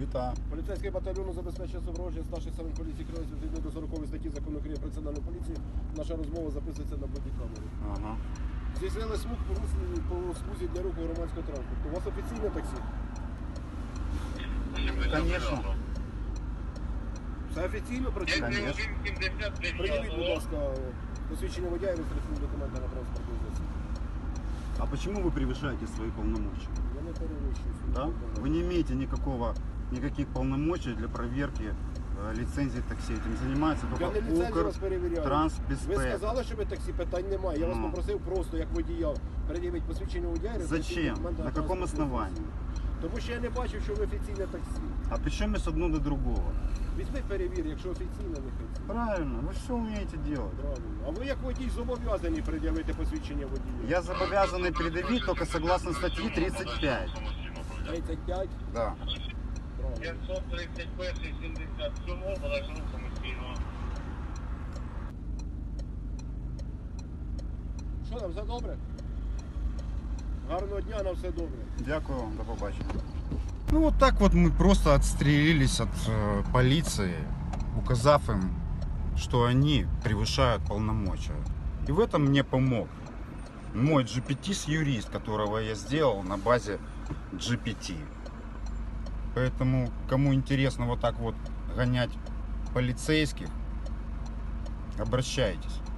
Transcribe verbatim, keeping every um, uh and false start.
Вітаю. Поліцейський батальйон забезпечує супроводження старших сторон поліції Кривої відповідно до сорокової статті Закону України про національну поліцію. Наша розмова записується на бодікамеру. Ага. Здійснили смуг порушені по смузі для руху громадського транспорту. У вас офіційне таксі? Конечно. Все офіційно працює? Конечно. Приділіть, будь ласка, посвідчення водія і реєстраційні документи на транспортний засіб. А почему вы превышаете свои полномочия? Я не перевищую. свої Да? повноваження. Вы не имеете никакого, никаких полномочий для проверки э, лицензии такси. Этим занимается Я только не ліцензію Укр вас перевіряю. Ви Трансбезпека. сказали, що ви таксі, питань немає. Я вас Ну. попросив просто, як водія, передивити посвідчення водія і реєстраційні Зачем? документи На каком транспортний основании? засіб. Тому що я не бачив, що ви офіційне таксі. А причем с одно до другого? Візьми перевір, якщо офіційно, не офіційно. Правильно, вы все умеете делать. Правильно. А ви як водій зобов'язані пред'явити посвідчення водія? Я зобовязанный предъявить только согласно статьи тридцать пять. тридцять п'ять? Да. Правильно. п'ятсот тридцять один сімдесят сім, була ж рух самостійного. Що там, все добре? Гарного дня, на все добре. Дякую вам, до побачення. Ну вот так вот мы просто отстрелились от э, полиции, указав им, что они превышают полномочия. И в этом мне помог мой джи пи ти-юрист, которого я сделал на базе джи пи ти. Поэтому, кому интересно вот так вот гонять полицейских, обращайтесь.